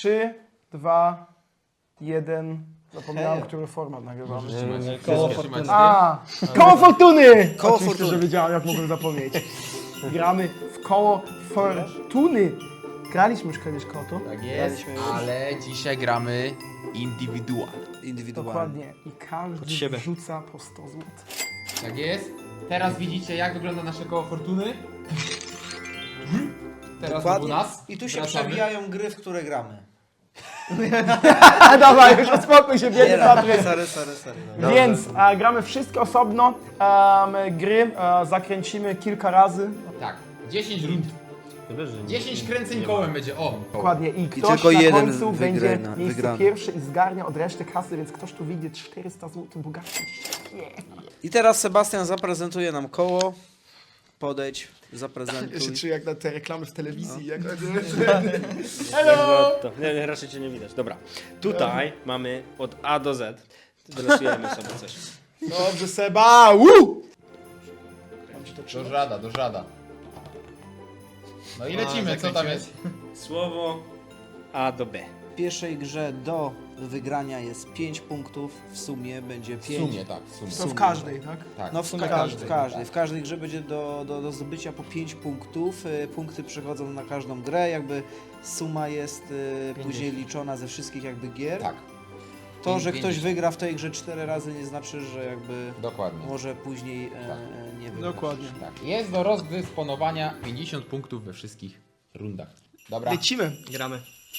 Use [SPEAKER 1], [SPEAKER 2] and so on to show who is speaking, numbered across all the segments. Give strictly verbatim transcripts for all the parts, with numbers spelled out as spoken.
[SPEAKER 1] trzy, dwa, jeden. Zapomniałem,
[SPEAKER 2] Hej.
[SPEAKER 1] który format nagrywamy.
[SPEAKER 2] Koło fortuny.
[SPEAKER 1] A, koło fortuny!
[SPEAKER 2] Koło
[SPEAKER 1] Oczywiście,
[SPEAKER 2] fortuny.
[SPEAKER 1] że wiedziałem, jak mogłem zapomnieć. Gramy w koło fortuny. Graliśmy już kiedyś koło to.
[SPEAKER 3] Tak jest, ale dzisiaj gramy indywidual.
[SPEAKER 2] Indywidualnie.
[SPEAKER 1] Dokładnie. I każdy
[SPEAKER 2] siebie.
[SPEAKER 1] wrzuca po sto złotych.
[SPEAKER 3] Tak jest. Teraz widzicie, jak wygląda nasze koło fortuny. Teraz u nas.
[SPEAKER 2] I tu się
[SPEAKER 3] Wracamy.
[SPEAKER 2] przewijają gry, w które gramy.
[SPEAKER 1] A dawaj, już uspokój się, biedny Patryk.
[SPEAKER 2] Sorry, sorry, sorry. No.
[SPEAKER 1] Więc e, gramy wszystkie osobno. Um, gry e, zakręcimy kilka razy.
[SPEAKER 3] Tak, dziesięć rund. dziesięć kręceń kołem będzie, o.
[SPEAKER 1] Dokładnie. I ktoś
[SPEAKER 2] tylko
[SPEAKER 1] na
[SPEAKER 2] jeden
[SPEAKER 1] końcu
[SPEAKER 2] wygra-
[SPEAKER 1] będzie
[SPEAKER 2] na-
[SPEAKER 1] miejsce
[SPEAKER 2] wygrany.
[SPEAKER 1] pierwszy i zgarnia od reszty kasy, więc ktoś tu wyjdzie czterysta złotych bogaczy. Yeah.
[SPEAKER 2] I teraz Sebastian zaprezentuje nam koło. Podejdź, zaprezentuj.
[SPEAKER 1] jak na te reklamy w telewizji. Jak...
[SPEAKER 4] Hello! To, nie, nie, raczej cię nie widać. Dobra. Tutaj mamy od A do Z. Wylosujemy sobie coś.
[SPEAKER 1] Dobrze, Seba! Woo!
[SPEAKER 3] Do żada, do żada. No i lecimy, co tam jest?
[SPEAKER 4] Słowo A do B.
[SPEAKER 2] W pierwszej grze do wygrania jest pięć punktów, w sumie będzie
[SPEAKER 3] W
[SPEAKER 2] pięć.
[SPEAKER 3] sumie, tak, w sumie.
[SPEAKER 1] To w każdej, tak?
[SPEAKER 3] Tak.
[SPEAKER 2] No w sumie
[SPEAKER 3] Tak,
[SPEAKER 2] każdej, w każdej.
[SPEAKER 3] tak.
[SPEAKER 2] W każdej grze będzie do, do, do zdobycia po pięć punktów. Y, Punkty przechodzą na każdą grę, jakby suma jest y, później liczona ze wszystkich jakby gier.
[SPEAKER 3] Tak,
[SPEAKER 2] To, że ktoś
[SPEAKER 3] pięćdziesiąt.
[SPEAKER 2] wygra w tej grze cztery razy nie znaczy, że jakby
[SPEAKER 3] dokładnie.
[SPEAKER 2] może później e,
[SPEAKER 3] Tak.
[SPEAKER 2] e, nie wygrać.
[SPEAKER 1] Dokładnie.
[SPEAKER 3] Tak. Jest do rozdysponowania pięćdziesiąt punktów we wszystkich rundach. Dobra.
[SPEAKER 1] Lecimy.
[SPEAKER 4] Gramy.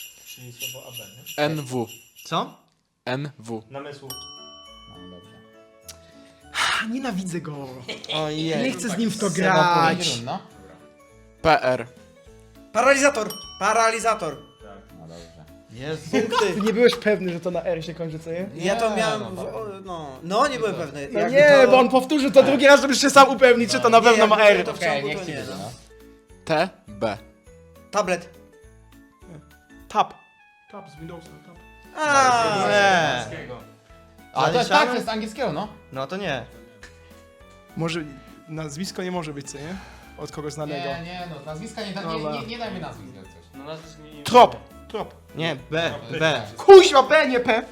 [SPEAKER 3] N W.
[SPEAKER 2] Co?
[SPEAKER 3] N W.
[SPEAKER 4] Namysłów.
[SPEAKER 3] No dobrze.
[SPEAKER 1] A, nienawidzę go.
[SPEAKER 2] Ojej.
[SPEAKER 1] Nie chcę z nim w to
[SPEAKER 3] Pięć
[SPEAKER 1] grać.
[SPEAKER 3] rund, no. P R.
[SPEAKER 2] Paralizator! Paralizator!
[SPEAKER 3] No dobrze.
[SPEAKER 2] Jest. Punkty.
[SPEAKER 1] Ty nie byłeś pewny, że to na R się kończy, co nie?
[SPEAKER 2] Ja to
[SPEAKER 3] Nie,
[SPEAKER 2] miałem.
[SPEAKER 3] no
[SPEAKER 2] w,
[SPEAKER 3] tak.
[SPEAKER 2] o, no, no, nie byłem pewny.
[SPEAKER 1] No
[SPEAKER 2] Jakby
[SPEAKER 1] nie,
[SPEAKER 2] to...
[SPEAKER 1] bo on powtórzył to drugi raz, żebyś się sam upewnić, czy to na
[SPEAKER 2] Nie,
[SPEAKER 1] pewno ma
[SPEAKER 2] jakby
[SPEAKER 1] R.
[SPEAKER 2] to w
[SPEAKER 3] Okej,
[SPEAKER 2] ciągu
[SPEAKER 3] niech
[SPEAKER 2] to
[SPEAKER 3] ci
[SPEAKER 2] nie,
[SPEAKER 3] będzie,
[SPEAKER 2] no.
[SPEAKER 3] no. T B.
[SPEAKER 2] Tablet.
[SPEAKER 1] Tab. Tab z Windowsa, tab.
[SPEAKER 2] A,
[SPEAKER 5] Nie.
[SPEAKER 3] A to jest
[SPEAKER 5] Ale
[SPEAKER 3] tak, to jest z angielskiego, no.
[SPEAKER 5] No to nie.
[SPEAKER 1] Może nazwisko nie może być, co nie? Od kogoś znanego.
[SPEAKER 3] Nie, nie, no nazwiska nie, da, nie,
[SPEAKER 1] Dobra.
[SPEAKER 3] nie, nie dajmy nazwisk jak coś.
[SPEAKER 4] No nazwisk nie...
[SPEAKER 1] Trop. Trop.
[SPEAKER 5] Nie, B,
[SPEAKER 3] To jest
[SPEAKER 5] B.
[SPEAKER 3] tak.
[SPEAKER 1] Kuźwa, P, nie P.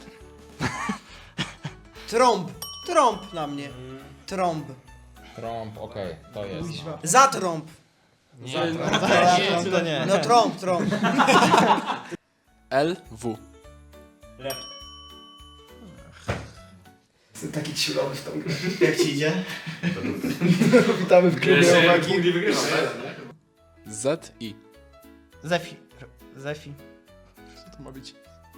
[SPEAKER 2] trąb. Trąb na mnie. Trąb.
[SPEAKER 3] Trąb, okej, to jest.
[SPEAKER 1] Kuźwa.
[SPEAKER 2] Zatrąb.
[SPEAKER 4] Nie,
[SPEAKER 5] No to nie.
[SPEAKER 2] No trąb, trąb.
[SPEAKER 3] L W.
[SPEAKER 4] Lew.
[SPEAKER 1] Jestem taki ciulowy w tą grę.
[SPEAKER 5] Jak ci idzie?
[SPEAKER 1] Witamy w klubie uwagi.
[SPEAKER 3] Z I.
[SPEAKER 5] Zefi. Zefi.
[SPEAKER 1] Co to ma być?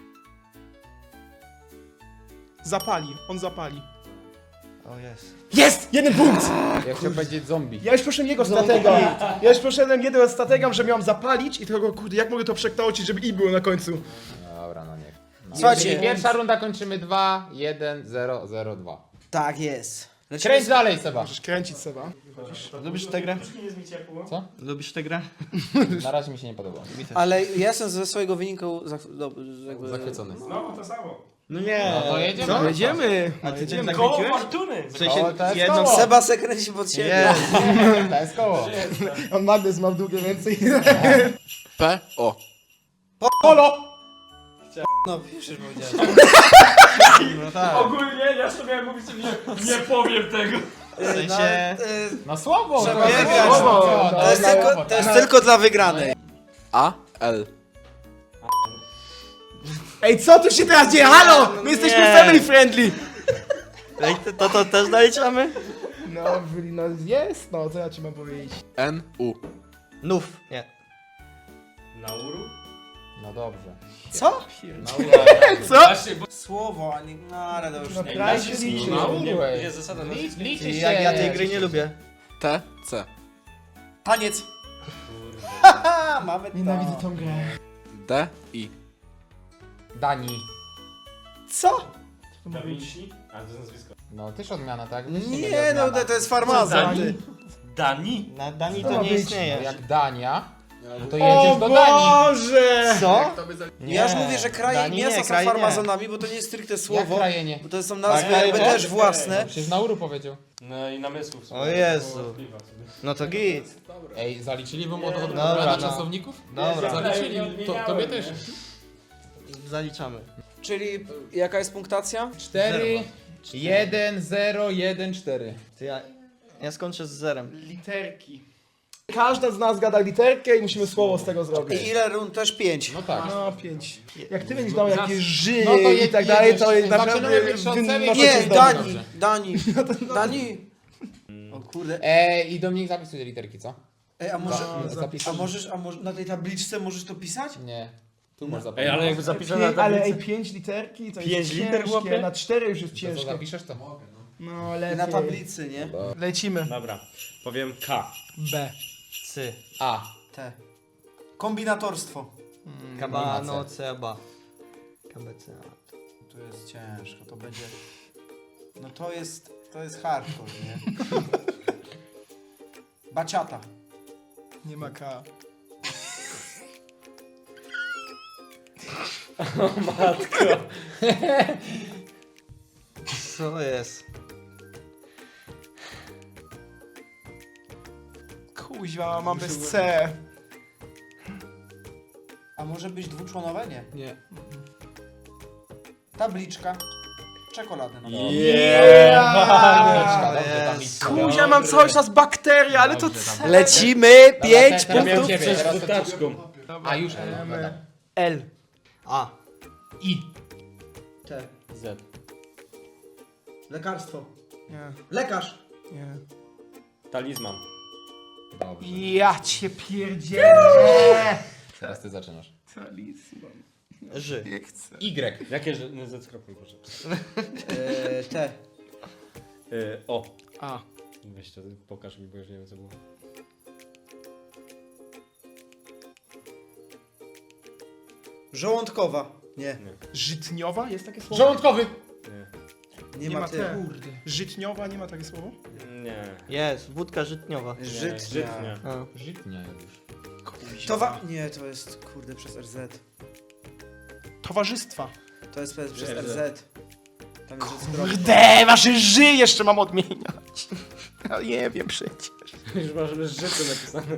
[SPEAKER 1] Zapali, on zapali.
[SPEAKER 5] O jest.
[SPEAKER 1] Jest! Jeden punkt!
[SPEAKER 3] Ja chciałem powiedzieć zombie.
[SPEAKER 1] Ja już poszedłem jego strategą. Ja już poszedłem jeden strategą, że miałem zapalić i tylko, kurde, jak mogę to przekształcić, żeby i było na końcu?
[SPEAKER 3] Dobra, no niech. No.
[SPEAKER 2] Słuchajcie.
[SPEAKER 3] Czyli pierwsza runda kończymy dwa, jeden, zero, zero, dwa.
[SPEAKER 2] Tak jest.
[SPEAKER 3] Kręć dalej, Seba.
[SPEAKER 1] Możesz kręcić, Seba.
[SPEAKER 5] Lubisz tę grę?
[SPEAKER 3] Co?
[SPEAKER 5] Lubisz tę grę?
[SPEAKER 3] Na razie mi się nie podoba.
[SPEAKER 2] Ale ja jestem ze swojego wyniku zach... do, jakby...
[SPEAKER 3] Zachwycony.
[SPEAKER 5] No nie.
[SPEAKER 3] No to jedziemy.
[SPEAKER 1] Co? Jedziemy.
[SPEAKER 5] A ty
[SPEAKER 1] jedziemy.
[SPEAKER 5] tak
[SPEAKER 4] Koło
[SPEAKER 5] kręciłeś?
[SPEAKER 4] fortuny!
[SPEAKER 5] W sensie
[SPEAKER 3] O, to jest
[SPEAKER 5] jedną...
[SPEAKER 3] koło.
[SPEAKER 2] Seba se kręci pod siebie.
[SPEAKER 5] Jest.
[SPEAKER 3] To jest koło.
[SPEAKER 1] On magnes ma w długie ręce i...
[SPEAKER 3] P O.
[SPEAKER 1] Polo!
[SPEAKER 2] No, przecież powiedziałem.
[SPEAKER 5] No tak.
[SPEAKER 4] Ogólnie ja sobie miałem mówić, że nie, nie powiem tego.
[SPEAKER 2] W
[SPEAKER 5] sensie-
[SPEAKER 3] No słabo.
[SPEAKER 2] Trzeba
[SPEAKER 3] to-
[SPEAKER 2] wygrać.
[SPEAKER 3] słabo,
[SPEAKER 1] To
[SPEAKER 3] no,
[SPEAKER 2] To jest,
[SPEAKER 3] no,
[SPEAKER 2] tylko,
[SPEAKER 3] słabo,
[SPEAKER 2] to jest
[SPEAKER 3] tak.
[SPEAKER 2] tylko dla wygranej.
[SPEAKER 3] A L.
[SPEAKER 1] Ej, co tu się teraz dzieje? Halo! My jesteśmy
[SPEAKER 5] Nie.
[SPEAKER 1] family friendly!
[SPEAKER 5] Ej, to, to, to też zaliczamy?
[SPEAKER 1] No, byli- no jest, no, co ja ci mam powiedzieć?
[SPEAKER 3] N U.
[SPEAKER 5] Nów. Nie.
[SPEAKER 4] Nauru?
[SPEAKER 3] No dobrze.
[SPEAKER 2] Co?
[SPEAKER 1] Co?
[SPEAKER 2] Słowo, a nie... No, ale to już
[SPEAKER 1] No,
[SPEAKER 2] nie.
[SPEAKER 1] kraj się liczy.
[SPEAKER 3] Nauru, ej.
[SPEAKER 4] Jest zasada na
[SPEAKER 3] Liczy liczy
[SPEAKER 5] I
[SPEAKER 3] się.
[SPEAKER 5] jak ja tej gry nie lubię.
[SPEAKER 3] T C.
[SPEAKER 2] Taniec. Haha, mamy to.
[SPEAKER 1] Nienawidzę tą grę.
[SPEAKER 3] D I. Dani.
[SPEAKER 2] Co?
[SPEAKER 4] Da Vinci? A to jest nazwisko.
[SPEAKER 3] No też odmiana, tak? Też będzie
[SPEAKER 2] Nie, no
[SPEAKER 3] odmiana.
[SPEAKER 2] to jest farmazon. ty.
[SPEAKER 4] Dani?
[SPEAKER 5] Na Danii
[SPEAKER 1] Co
[SPEAKER 5] to
[SPEAKER 1] ma
[SPEAKER 5] nie
[SPEAKER 1] być?
[SPEAKER 5] istnieje.
[SPEAKER 3] No jak Dania, no to
[SPEAKER 1] O
[SPEAKER 3] jedziesz do Danii.
[SPEAKER 1] Boże!
[SPEAKER 5] Co?
[SPEAKER 2] Ja już mówię, że kraje
[SPEAKER 5] Danii
[SPEAKER 2] miasta
[SPEAKER 5] nie,
[SPEAKER 2] są
[SPEAKER 5] kraje nie.
[SPEAKER 2] farmazonami, bo to nie jest stricte
[SPEAKER 3] Jak
[SPEAKER 2] słowo.
[SPEAKER 3] kraje nie?
[SPEAKER 2] Bo to są nazwy
[SPEAKER 5] Tak,
[SPEAKER 2] jakby
[SPEAKER 5] nie,
[SPEAKER 2] też własne.
[SPEAKER 3] Przecież Nauru powiedział.
[SPEAKER 4] No i namysłów.
[SPEAKER 5] O Jezu. No to git.
[SPEAKER 3] Ej, zaliczyli wam od
[SPEAKER 5] Dobra,
[SPEAKER 3] odbierania
[SPEAKER 5] no.
[SPEAKER 3] czasowników?
[SPEAKER 5] Dobra.
[SPEAKER 3] Zaliczyli, to, tobie też.
[SPEAKER 5] Zaliczamy.
[SPEAKER 2] Czyli jaka jest punktacja?
[SPEAKER 3] cztery, jeden, zero, jeden, cztery.
[SPEAKER 5] To ja, ja skończę z zerem.
[SPEAKER 1] Literki. Każda z nas gada literkę i musimy słowo z tego zrobić.
[SPEAKER 2] I ile rund? Też pięć.
[SPEAKER 3] No tak.
[SPEAKER 1] No, pięć. Jak ty będziesz dał jakieś żyje
[SPEAKER 3] No to
[SPEAKER 1] i
[SPEAKER 3] jed-
[SPEAKER 1] tak dalej, to
[SPEAKER 3] jedziesz.
[SPEAKER 1] naprawdę
[SPEAKER 3] Zaczynamy miesiącem,
[SPEAKER 1] wynoszę
[SPEAKER 3] jak-
[SPEAKER 1] cię
[SPEAKER 2] Nie,
[SPEAKER 1] z
[SPEAKER 2] Dani,
[SPEAKER 1] domu.
[SPEAKER 3] dobrze.
[SPEAKER 2] Dani, Dani. O kurde.
[SPEAKER 3] E, I Dominik zapisuje te literki, co?
[SPEAKER 2] Ej, a może,
[SPEAKER 3] Za- zapisz.
[SPEAKER 2] a możesz, a może na tej tabliczce możesz to pisać?
[SPEAKER 3] Nie. Tu możesz
[SPEAKER 4] Ej,
[SPEAKER 3] zapisać.
[SPEAKER 4] ale jakby zapisane
[SPEAKER 1] Pię-
[SPEAKER 4] na
[SPEAKER 1] ale ej,
[SPEAKER 4] tablicy...
[SPEAKER 1] pięć literki to
[SPEAKER 4] Pięć
[SPEAKER 1] jest
[SPEAKER 4] liter,
[SPEAKER 1] ciężkie,
[SPEAKER 4] chłopie?
[SPEAKER 1] na cztery już jest
[SPEAKER 3] To co
[SPEAKER 1] ciężkie.
[SPEAKER 3] zapiszesz, to mogę.
[SPEAKER 1] No,
[SPEAKER 2] I
[SPEAKER 1] lepiej.
[SPEAKER 2] na tablicy, nie?
[SPEAKER 1] Lecimy.
[SPEAKER 4] Dobra, powiem K.
[SPEAKER 1] B.
[SPEAKER 5] Cy.
[SPEAKER 3] A.
[SPEAKER 2] Te. Kombinatorstwo.
[SPEAKER 5] Kabano, ceba. K B C.
[SPEAKER 2] To jest ciężko, to będzie... No to jest, to jest hardcore, nie? Baciata.
[SPEAKER 1] Nie ma K.
[SPEAKER 4] Matko.
[SPEAKER 5] Co jest?
[SPEAKER 1] Kuźwa, mam bez C.
[SPEAKER 2] A może być dwuczłonowe? Nie.
[SPEAKER 1] Nie.
[SPEAKER 2] Tabliczka. Czekolady na dole.
[SPEAKER 3] Dobrze, tam idź.
[SPEAKER 1] Kuzia, mam cały czas bakterie, ale to
[SPEAKER 3] Dobrze,
[SPEAKER 1] C.
[SPEAKER 3] tam.
[SPEAKER 2] Lecimy!
[SPEAKER 3] Dobra,
[SPEAKER 2] Pięć
[SPEAKER 3] te- teraz
[SPEAKER 2] punktów.
[SPEAKER 3] ciebie,
[SPEAKER 4] Przez
[SPEAKER 3] teraz
[SPEAKER 4] dwutaczką.
[SPEAKER 3] A już, ale gadam.
[SPEAKER 1] L.
[SPEAKER 5] A.
[SPEAKER 3] I.
[SPEAKER 2] Te.
[SPEAKER 4] Z.
[SPEAKER 2] Lekarstwo.
[SPEAKER 1] Nie,
[SPEAKER 2] Lekarz.
[SPEAKER 1] nie.
[SPEAKER 4] Talizman.
[SPEAKER 3] Dobrze.
[SPEAKER 1] Ja cię pierdzielę.
[SPEAKER 3] Teraz ty zaczynasz.
[SPEAKER 1] Talisman.
[SPEAKER 5] Ży.
[SPEAKER 1] Nie chcę.
[SPEAKER 3] Y.
[SPEAKER 4] Jakie że- nie, Z kropką, proszę.
[SPEAKER 2] Eee, te.
[SPEAKER 4] Y, o.
[SPEAKER 1] A.
[SPEAKER 4] Weź to, pokaż mi, bo już nie wiem co było.
[SPEAKER 2] Żołądkowa. Nie.
[SPEAKER 1] Żytniowa? Jest takie słowo?
[SPEAKER 3] Żołądkowy.
[SPEAKER 4] Nie.
[SPEAKER 2] Nie,
[SPEAKER 1] Nie
[SPEAKER 2] ma
[SPEAKER 1] ma
[SPEAKER 2] te.
[SPEAKER 1] te. Żytniowa, nie ma takie słowo?
[SPEAKER 4] Nie.
[SPEAKER 5] Jest, wódka żytniowa.
[SPEAKER 4] Nie,
[SPEAKER 2] Żytnia.
[SPEAKER 4] Żytnia.
[SPEAKER 5] A.
[SPEAKER 3] Żytnia już.
[SPEAKER 2] Towa... Nie, to jest kurde przez R Z.
[SPEAKER 1] Towarzystwa.
[SPEAKER 2] To jest przez, przez
[SPEAKER 4] R
[SPEAKER 2] R
[SPEAKER 4] Z.
[SPEAKER 2] Z. Tam jest zwrot.
[SPEAKER 1] Kurde, wasze ży jeszcze mam odmieniać. Ja nie wiem przecież.
[SPEAKER 4] Już masz bez życia napisane.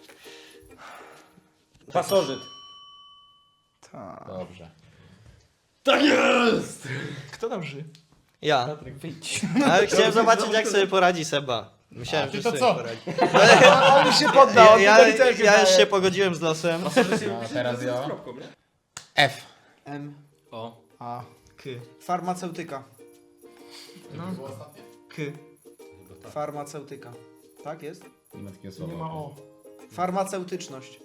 [SPEAKER 4] Pasożyt.
[SPEAKER 1] Tak.
[SPEAKER 3] Dobrze.
[SPEAKER 4] Tak jest!
[SPEAKER 1] Kto tam ży?
[SPEAKER 5] Ja.
[SPEAKER 1] Wyjdź.
[SPEAKER 5] Ale chciałem zobaczyć, jak sobie poradzi Seba. Myślałem,
[SPEAKER 3] A, ty
[SPEAKER 5] że
[SPEAKER 3] to
[SPEAKER 5] sobie
[SPEAKER 3] co?
[SPEAKER 5] poradzi.
[SPEAKER 1] On już się poddał,
[SPEAKER 5] Ja,
[SPEAKER 1] on
[SPEAKER 5] ja,
[SPEAKER 1] tylko literkę
[SPEAKER 5] ja już
[SPEAKER 1] daje.
[SPEAKER 5] się pogodziłem z losem.
[SPEAKER 3] No, teraz ja. F.
[SPEAKER 2] M.
[SPEAKER 4] O.
[SPEAKER 1] A.
[SPEAKER 5] K.
[SPEAKER 2] Farmaceutyka.
[SPEAKER 5] K.
[SPEAKER 2] Farmaceutyka. Tak jest?
[SPEAKER 3] Nie ma takiego słowa.
[SPEAKER 1] Nie ma O.
[SPEAKER 2] Farmaceutyczność.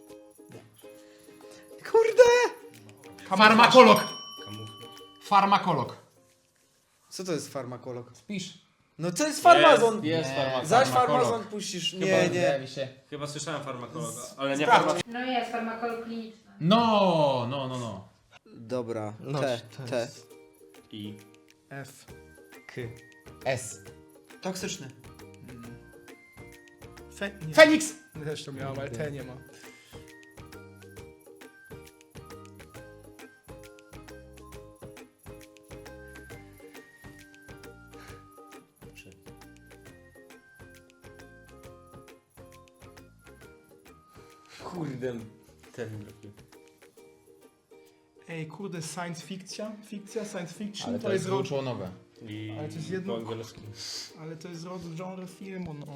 [SPEAKER 2] Kurde!
[SPEAKER 3] Farmakolog.
[SPEAKER 4] Kamuflaż.
[SPEAKER 3] Farmakolog.
[SPEAKER 2] Co to jest farmakolog?
[SPEAKER 3] Spisz.
[SPEAKER 2] No to jest farmazon!
[SPEAKER 4] Jest, jest farmakolog.
[SPEAKER 2] Zaś
[SPEAKER 3] Farmakolog.
[SPEAKER 2] farmazon puścisz.
[SPEAKER 3] Chyba
[SPEAKER 2] Nie, nie.
[SPEAKER 3] wydaje mi się.
[SPEAKER 4] Chyba słyszałem farmakologa, ale nie
[SPEAKER 2] Sprawdź.
[SPEAKER 4] farmakolog.
[SPEAKER 6] No jest, farmakolog kliniczny.
[SPEAKER 3] No, no, no, no.
[SPEAKER 2] Dobra.
[SPEAKER 5] No,
[SPEAKER 2] T.
[SPEAKER 5] to
[SPEAKER 2] T.
[SPEAKER 5] jest-
[SPEAKER 4] I.
[SPEAKER 1] F.
[SPEAKER 5] K.
[SPEAKER 3] S.
[SPEAKER 2] Toksyczny.
[SPEAKER 1] Fe... Nie.
[SPEAKER 3] Feniks.
[SPEAKER 1] Też to miałem, ale T nie ma.
[SPEAKER 4] Kurde. Ten brakuje.
[SPEAKER 1] Ej, kurde, science fiction? Fikcja, science fiction?
[SPEAKER 3] Ale
[SPEAKER 1] to,
[SPEAKER 3] to
[SPEAKER 1] jest
[SPEAKER 3] jest
[SPEAKER 1] rod...
[SPEAKER 3] dwuczłonowe.
[SPEAKER 4] I
[SPEAKER 1] Ale to jest jedno-
[SPEAKER 4] po angielsku.
[SPEAKER 1] Ale to jest rod genre filmu, no.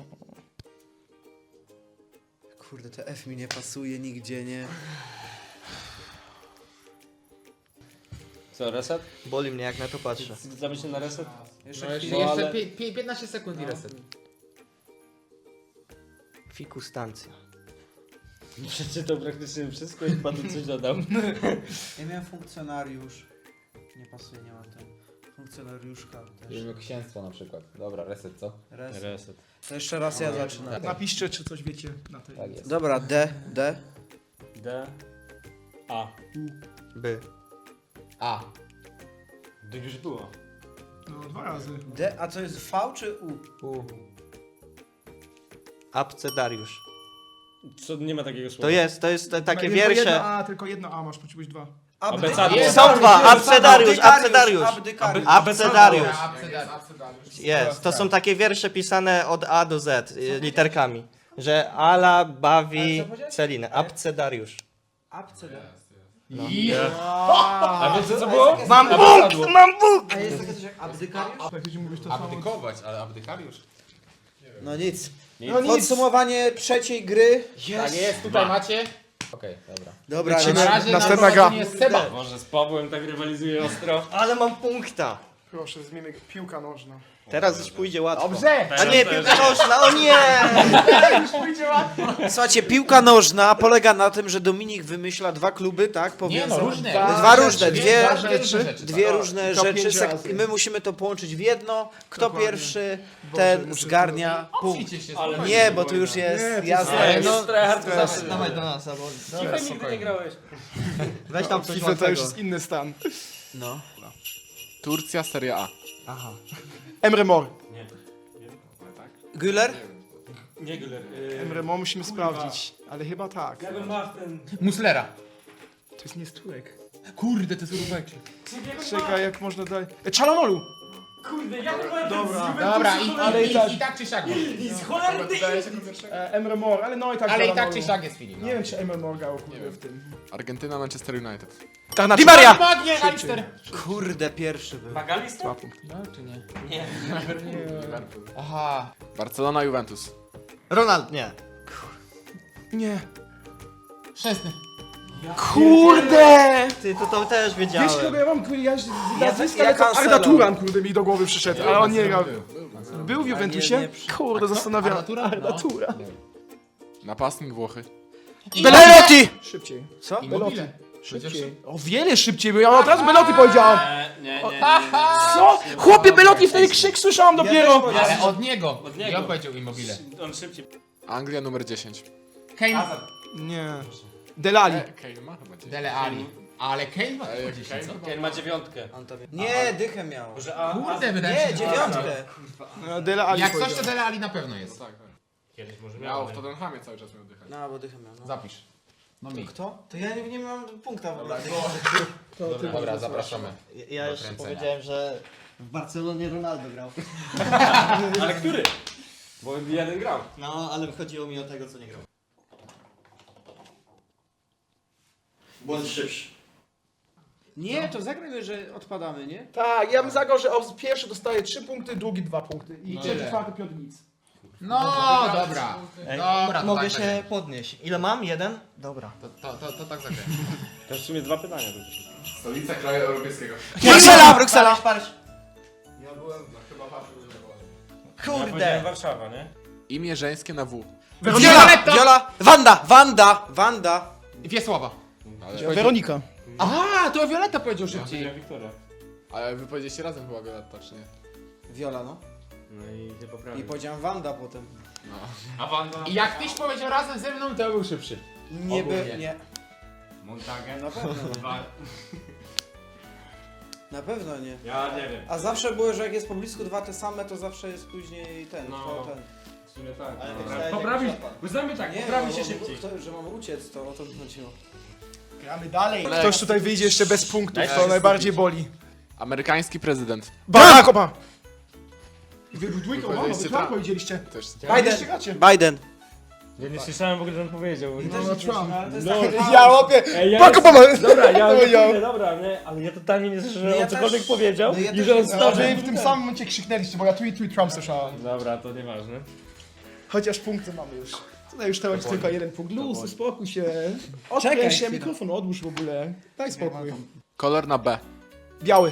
[SPEAKER 2] Kurde, to F mi nie pasuje nigdzie, nie?
[SPEAKER 4] Co, reset?
[SPEAKER 5] Boli mnie, jak na to patrzę.
[SPEAKER 4] Zabić się na reset?
[SPEAKER 2] Jeszcze
[SPEAKER 3] No jeszcze,
[SPEAKER 2] chwilę.
[SPEAKER 3] jeszcze
[SPEAKER 4] ale-
[SPEAKER 3] pie, pie, piętnaście sekund i reset.
[SPEAKER 5] Fikustancja.
[SPEAKER 4] Przeczytał praktycznie wszystko i panu coś dodał.
[SPEAKER 2] Ja miałem funkcjonariusz. Nie pasuje, nie ma ten. Funkcjonariuszka też.
[SPEAKER 3] Wiemy księstwo na przykład. Dobra, reset co?
[SPEAKER 2] Res.
[SPEAKER 4] Reset.
[SPEAKER 2] To jeszcze raz ja zaczynam.
[SPEAKER 3] Tak.
[SPEAKER 1] Napiszcie, czy coś wiecie na tej.
[SPEAKER 3] Tak jest.
[SPEAKER 2] Dobra, D. D.
[SPEAKER 4] D. A.
[SPEAKER 5] B.
[SPEAKER 3] A.
[SPEAKER 4] To już było.
[SPEAKER 1] No, dwa razy.
[SPEAKER 2] D. A to jest V czy U?
[SPEAKER 5] U. Abcedariusz.
[SPEAKER 4] Co, nie ma takiego słowa.
[SPEAKER 5] To jest, to jest te, takie
[SPEAKER 1] Tylko
[SPEAKER 5] wiersze.
[SPEAKER 1] Jedno A, tylko jedno A, masz potrzebujesz dwa.
[SPEAKER 4] Abecadło.
[SPEAKER 5] Są dwa, abcedariusz, abcedariusz.
[SPEAKER 2] Abdykariusz.
[SPEAKER 5] Abcedariusz.
[SPEAKER 3] Abcedariusz.
[SPEAKER 5] Jest, to są takie wiersze pisane od A do Z, y, literkami. Że Ala bawi Celinę. Abcedariusz.
[SPEAKER 2] Abceda.
[SPEAKER 3] I...
[SPEAKER 4] A wiecie co było?
[SPEAKER 1] Mam
[SPEAKER 4] punkt!
[SPEAKER 1] Mam punkt!
[SPEAKER 2] A jest takie coś jak abdykariusz?
[SPEAKER 1] Faktycznie mówisz to samo.
[SPEAKER 3] Abdykować, ale abdykariusz?
[SPEAKER 2] No nic.
[SPEAKER 1] No nic.
[SPEAKER 2] Podsumowanie trzeciej gry.
[SPEAKER 3] Tak jest, tutaj macie. Okej, dobra.
[SPEAKER 2] Dobra,
[SPEAKER 1] Lecimy.
[SPEAKER 3] Na razie
[SPEAKER 1] Następna
[SPEAKER 3] na
[SPEAKER 1] gra.
[SPEAKER 3] prowadzeniu jest Seba.
[SPEAKER 4] Może z Pawłem tak rywalizuje ostro.
[SPEAKER 5] Ale mam punkta.
[SPEAKER 1] Proszę, zmienimy piłka nożna.
[SPEAKER 5] Teraz już pójdzie łatwo.
[SPEAKER 1] Dobrze!
[SPEAKER 5] A nie, piłka nożna, o nie!
[SPEAKER 2] Słuchajcie, piłka nożna polega na tym, że Dominik wymyśla dwa kluby, tak?
[SPEAKER 3] Nie
[SPEAKER 2] Powiedzmy.
[SPEAKER 3] no, różne.
[SPEAKER 2] Dwa różne, dwie,
[SPEAKER 3] Dwa różne rzeczy.
[SPEAKER 2] dwie
[SPEAKER 3] tak.
[SPEAKER 2] różne
[SPEAKER 1] To
[SPEAKER 2] rzeczy
[SPEAKER 1] pięć
[SPEAKER 2] sek-
[SPEAKER 1] razy.
[SPEAKER 2] i my musimy to połączyć w jedno. Kto
[SPEAKER 1] Dokładnie.
[SPEAKER 2] pierwszy,
[SPEAKER 1] Boże,
[SPEAKER 2] ten
[SPEAKER 1] muszę
[SPEAKER 2] zgarnia punkt.
[SPEAKER 3] Oprzyjcie się,
[SPEAKER 4] Ale
[SPEAKER 3] spokojnie.
[SPEAKER 2] Nie, bo tu już
[SPEAKER 1] Nie,
[SPEAKER 2] jest
[SPEAKER 1] to
[SPEAKER 2] jasne.
[SPEAKER 4] Ale
[SPEAKER 1] jest-
[SPEAKER 4] no, tryhard to zawsze.
[SPEAKER 5] Dawaj do nas, albo...
[SPEAKER 4] FIFA nigdy nie grałeś.
[SPEAKER 5] Weź tam coś
[SPEAKER 1] FIFA to już
[SPEAKER 5] łatwego.
[SPEAKER 1] jest inny stan.
[SPEAKER 2] No.
[SPEAKER 3] Turcja, Serie A.
[SPEAKER 1] Aha. Emre Mor.
[SPEAKER 2] Güler?
[SPEAKER 4] Nie, Güler.
[SPEAKER 1] Emre Mor musimy sprawdzić. Ale chyba tak.
[SPEAKER 4] Ja bym ma ten...
[SPEAKER 3] Muslera.
[SPEAKER 1] To jest nie Turek.
[SPEAKER 3] Kurde, to jest Urubek.
[SPEAKER 1] Czekaj, jak można dalej. E, Czalanolu!
[SPEAKER 4] Kurde, ja bym ma
[SPEAKER 1] Dobra.
[SPEAKER 3] Dobra, i,
[SPEAKER 1] Ale
[SPEAKER 3] i,
[SPEAKER 1] i tak-
[SPEAKER 3] i, i tak czy siak.
[SPEAKER 4] z cholerny...
[SPEAKER 1] E, Emre Mor, ale no i tak
[SPEAKER 3] Ale i tak
[SPEAKER 1] Czalanolu.
[SPEAKER 3] czy siak jest Filip.
[SPEAKER 1] Nie wiem, czy Emre Mor grał kurde w tym.
[SPEAKER 3] Argentyna, Manchester United.
[SPEAKER 1] Tak,
[SPEAKER 2] Di Maria!
[SPEAKER 3] Magnie, Alister.
[SPEAKER 2] Kurde, pierwszy był.
[SPEAKER 4] Magalister?
[SPEAKER 3] No, czy nie?
[SPEAKER 4] Nie.
[SPEAKER 3] Aha. Barcelona, Juventus.
[SPEAKER 5] Ronald, nie.
[SPEAKER 1] Nie.
[SPEAKER 3] Szesny.
[SPEAKER 1] Kurde!
[SPEAKER 5] Ty, to, to też
[SPEAKER 1] Wiesz
[SPEAKER 5] wiedziałem.
[SPEAKER 1] kogo ja mam, kurde, ja z
[SPEAKER 2] Ja-
[SPEAKER 1] nazwiska,
[SPEAKER 2] ja
[SPEAKER 1] ale to
[SPEAKER 2] Cancelo.
[SPEAKER 1] Arda Turan, kurde, mi do głowy przyszedł, ale on nie grał.
[SPEAKER 3] Był, był, był.
[SPEAKER 1] Był w Juventusie?
[SPEAKER 2] nie przy-
[SPEAKER 1] Kurde, zastanawiam.
[SPEAKER 3] Arda Turan?
[SPEAKER 1] Arda
[SPEAKER 3] No.
[SPEAKER 1] Turan.
[SPEAKER 3] Napastnik Włochy.
[SPEAKER 2] Belotti!
[SPEAKER 1] Szybciej.
[SPEAKER 2] Co?
[SPEAKER 3] Immobile.
[SPEAKER 1] Szybciej. O wiele szybciej, bo ja od razu Belotti powiedziałam.
[SPEAKER 4] Nie, nie, nie.
[SPEAKER 1] Co? Chłopie, Belotti wtedy krzyk słyszałam dopiero.
[SPEAKER 3] Ale od niego.
[SPEAKER 4] Od niego.
[SPEAKER 3] Ja powiedział Immobile.
[SPEAKER 4] On szybciej.
[SPEAKER 3] Anglia numer dziesięć.
[SPEAKER 4] Kane.
[SPEAKER 1] Nie. Delali.
[SPEAKER 3] Kane ma chyba dziesięć.
[SPEAKER 6] Dele Ali. Ale Kane ma
[SPEAKER 3] Ale
[SPEAKER 6] tylko dziesięć, co?
[SPEAKER 4] Kane ma dziewiątkę.
[SPEAKER 2] Nie, dychę miał.
[SPEAKER 4] Może A?
[SPEAKER 6] Kurde, wydaje
[SPEAKER 2] Nie,
[SPEAKER 6] się, że...
[SPEAKER 2] dziewiątkę.
[SPEAKER 1] No, Delali
[SPEAKER 6] Jak coś, to
[SPEAKER 1] powiedział.
[SPEAKER 6] Dele Ali na pewno jest.
[SPEAKER 3] Tak, tak.
[SPEAKER 4] Kiedyś może
[SPEAKER 3] Miał
[SPEAKER 4] miał.
[SPEAKER 3] w Tottenhamie cały czas miał dychać.
[SPEAKER 2] No, bo dychę miał. No.
[SPEAKER 6] Zapisz. No mi.
[SPEAKER 2] Kto? To ja nie, nie mam punkta w ogóle.
[SPEAKER 6] Dobra, dobra, zapraszamy.
[SPEAKER 5] Ja- Ja już
[SPEAKER 6] kręcenia.
[SPEAKER 5] powiedziałem, że w Barcelonie Ronaldo grał.
[SPEAKER 4] Ale który? Bo jeden grał.
[SPEAKER 5] No, ale chodziło mi o tego, co nie grał. Bądź szybszy.
[SPEAKER 2] Nie, to zagrajmy, że odpadamy, nie?
[SPEAKER 1] Tak, ja bym zagrał, że o, pierwszy dostaje trzy punkty, drugi dwa punkty. I trzeci,
[SPEAKER 6] tyle.
[SPEAKER 1] czwarty, piąty nic.
[SPEAKER 6] No, dobra.
[SPEAKER 5] Ej,
[SPEAKER 6] Dobra, to
[SPEAKER 5] mogę
[SPEAKER 6] tak
[SPEAKER 5] się
[SPEAKER 6] zagraj.
[SPEAKER 5] podnieść. Ile mam? Jeden? Dobra.
[SPEAKER 6] To, to, to, to tak zagraj.
[SPEAKER 4] To w sumie dwa pytania.
[SPEAKER 3] Stolica kraju europejskiego.
[SPEAKER 2] Bruksela, Bruksela!
[SPEAKER 5] Paryż,
[SPEAKER 3] Ja byłem, no chyba patrzył, że byłem.
[SPEAKER 4] Ja powiedziałem
[SPEAKER 5] Kurde.
[SPEAKER 4] Warszawa, nie?
[SPEAKER 3] Imię żeńskie na W.
[SPEAKER 2] Viola! Viola! Wanda! Wanda! Wanda!
[SPEAKER 6] Wiesława.
[SPEAKER 3] Ale,
[SPEAKER 1] Weronika.
[SPEAKER 6] Aha, to Violeta powiedział
[SPEAKER 4] Ja
[SPEAKER 6] szybciej.
[SPEAKER 4] powiedziałem Wiktoria.
[SPEAKER 3] ale wy powiedzieliście razem chyba Violetta, czy nie?
[SPEAKER 2] Viola, no.
[SPEAKER 4] No i się
[SPEAKER 2] I
[SPEAKER 4] poprawił.
[SPEAKER 2] powiedziałem Wanda potem.
[SPEAKER 4] A Wanda?
[SPEAKER 6] I jak tyś powiedział razem ze mną, to był szybszy.
[SPEAKER 2] Nie by...
[SPEAKER 6] Ogólnie.
[SPEAKER 2] nie.
[SPEAKER 4] Montagen?
[SPEAKER 2] Na pewno.
[SPEAKER 4] Dwa.
[SPEAKER 2] Na pewno nie.
[SPEAKER 4] Ja nie wiem.
[SPEAKER 2] A zawsze było, że jak jest po blisku dwa te same, to zawsze jest później ten.
[SPEAKER 4] No.
[SPEAKER 2] to ten.
[SPEAKER 4] W sumie tak.
[SPEAKER 5] Ale
[SPEAKER 4] No.
[SPEAKER 5] tak zdaje się
[SPEAKER 4] Poprawić.
[SPEAKER 5] jakiś odpad.
[SPEAKER 4] Uznajmy tak,
[SPEAKER 2] Nie,
[SPEAKER 4] poprawi
[SPEAKER 2] no,
[SPEAKER 4] się
[SPEAKER 2] bo-
[SPEAKER 4] szybciej.
[SPEAKER 2] Kto, że mam uciec, to o to mi chodziło.
[SPEAKER 1] Gramy dalej. Ktoś tutaj wyjdzie jeszcze bez punktów,
[SPEAKER 4] Daj
[SPEAKER 1] to
[SPEAKER 4] się
[SPEAKER 1] najbardziej
[SPEAKER 4] skupić.
[SPEAKER 1] boli.
[SPEAKER 3] Amerykański prezydent.
[SPEAKER 1] Barack Obama! Wy był dwójką, Obama, wy
[SPEAKER 3] Powiedzieliście
[SPEAKER 1] Trump
[SPEAKER 3] tak.
[SPEAKER 1] powiedzieliście.
[SPEAKER 3] Też.
[SPEAKER 2] Biden! Biden!
[SPEAKER 4] Ja nie słyszałem w ogóle, że on powiedział.
[SPEAKER 1] No, Trump.
[SPEAKER 4] No,
[SPEAKER 1] Ja łapię!
[SPEAKER 4] Ej, ja
[SPEAKER 1] Barack
[SPEAKER 4] jestem-
[SPEAKER 1] Obama!
[SPEAKER 4] Dobra, ja
[SPEAKER 1] To ja.
[SPEAKER 4] kurde, dobra, nie, ale ja totalnie nie słyszę,
[SPEAKER 2] No
[SPEAKER 4] że
[SPEAKER 2] ja
[SPEAKER 4] on cokolwiek
[SPEAKER 2] też-
[SPEAKER 4] powiedział
[SPEAKER 2] no ja
[SPEAKER 4] i
[SPEAKER 2] też
[SPEAKER 4] że on
[SPEAKER 2] nie-
[SPEAKER 1] A
[SPEAKER 4] stał.
[SPEAKER 1] wy w tym samym momencie krzyknęliście, bo ja tweet, tweet Trump słyszałem.
[SPEAKER 4] Dobra, to nieważne.
[SPEAKER 1] Chociaż punkty mamy już. Tutaj już to jest tylko jeden punkt. Luz, uspokój się.
[SPEAKER 2] Czekaj
[SPEAKER 1] Odkręć się,
[SPEAKER 2] chwilę.
[SPEAKER 1] mikrofon odłóż w ogóle. Daj spokój.
[SPEAKER 3] Kolor na B.
[SPEAKER 1] Biały.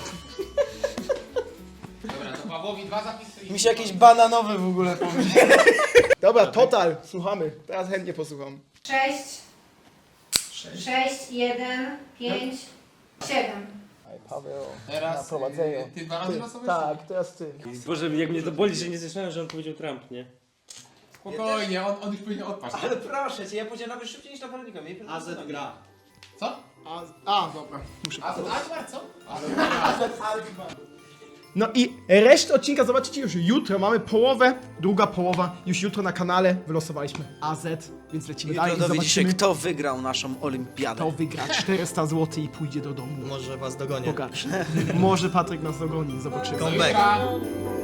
[SPEAKER 6] Dobra, to Pawłowi dwa zapisy.
[SPEAKER 2] Mi się jakiś bananowy w ogóle powiedział.
[SPEAKER 1] Dobra, total. Słuchamy. Teraz chętnie posłucham.
[SPEAKER 7] Sześć, sześć, jeden, pięć, siedem.
[SPEAKER 1] Aj, Paweł.
[SPEAKER 6] Teraz
[SPEAKER 1] Na prowadzeniu.
[SPEAKER 6] y, ty dwa razy
[SPEAKER 1] Ty,
[SPEAKER 6] losowy?
[SPEAKER 1] tak, teraz ty.
[SPEAKER 4] Boże, jak mnie to boli, że nie słyszałem, że on powiedział Trump, nie?
[SPEAKER 6] Spokojnie, on, on już powinien odpaść.
[SPEAKER 2] Ale proszę cię, ja powiedziałem nawet szybciej niż na Weronika.
[SPEAKER 5] A Z gra.
[SPEAKER 6] Co?
[SPEAKER 1] A, a dobra. Muszę
[SPEAKER 6] A to Alvar, co?
[SPEAKER 1] No i resztę odcinka zobaczycie już jutro. Mamy połowę, druga połowa. Już jutro na kanale wylosowaliśmy A Z, więc lecimy
[SPEAKER 2] Jutro
[SPEAKER 1] dalej i
[SPEAKER 2] dowiecie się,
[SPEAKER 1] zobaczymy,
[SPEAKER 2] kto wygrał naszą olimpiadę.
[SPEAKER 1] kto wygra czterysta złotych i pójdzie do domu.
[SPEAKER 5] Może was dogonię.
[SPEAKER 1] Bogatszy. Może Patryk nas dogoni, zobaczymy.
[SPEAKER 5] Comeback.
[SPEAKER 6] Dobra.